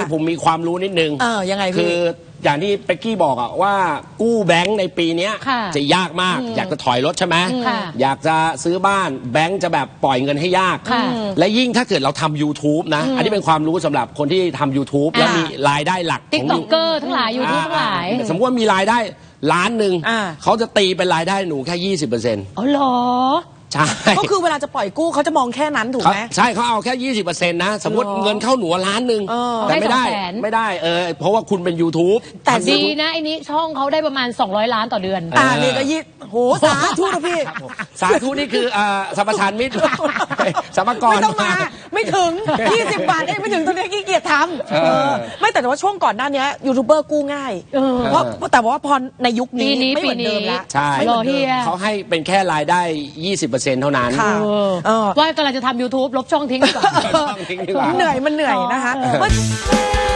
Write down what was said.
ผมมีความรู้นิดนึงยังไงพี่คืออย่างที่เป็กกี้บอกอะว่ากู้แบงค์ในปีนี้จะยากมากอยากจะถอยรถใช่ไหมอยากจะซื้อบ้านแบงค์จะแบบปล่อยเงินให้ยากและยิ่งถ้าเกิดเราทำ YouTube นะอันนี้เป็นความรู้สำหรับคนที่ทำ YouTube แล้วมีรายได้หลักติ๊กต็อกเกอร์ทั้งหลาย YouTube ทั้งหลายสมมติว่ามีรายได้1,000,000เขาจะตีเป็นรายได้หนูแค่ 20% อ๋อเหรอใช่ก็คือเวลาจะปล่อยกู้เขาจะมองแค่นั้นถูกไหมใช่เขาเอาแค่ 20%นะสมมติเงินเข้าหนู1,000,000แต่ไม่ได้เพราะว่าคุณเป็น YouTube แต่ดีนะไอ้นี้ช่องเขาได้ประมาณ200 ล้านต่อเดือนนี่ก็โหสาธุนะพี่สาธุนี่คือสัมปทานมิตรสมกรไม่ต้องมาไม่ถึง20 บาทเองไม่ถึงตอนนี้ขี้เกียจทำไม่แต่ว่าช่วงก่อนหน้านี้ยูทูบเบอร์กู้ง่ายเพราะแต่ว่าพอในยุคนี้ไม่เหมือนเดิมแล้วใช่เขาให้เป็นแค่รายได้20%เท่านั้นว่ากำลังจะทำ YouTube ลบช่องทิ้งดีกว่าเหนื่อยมันเหนื่อยนะคะ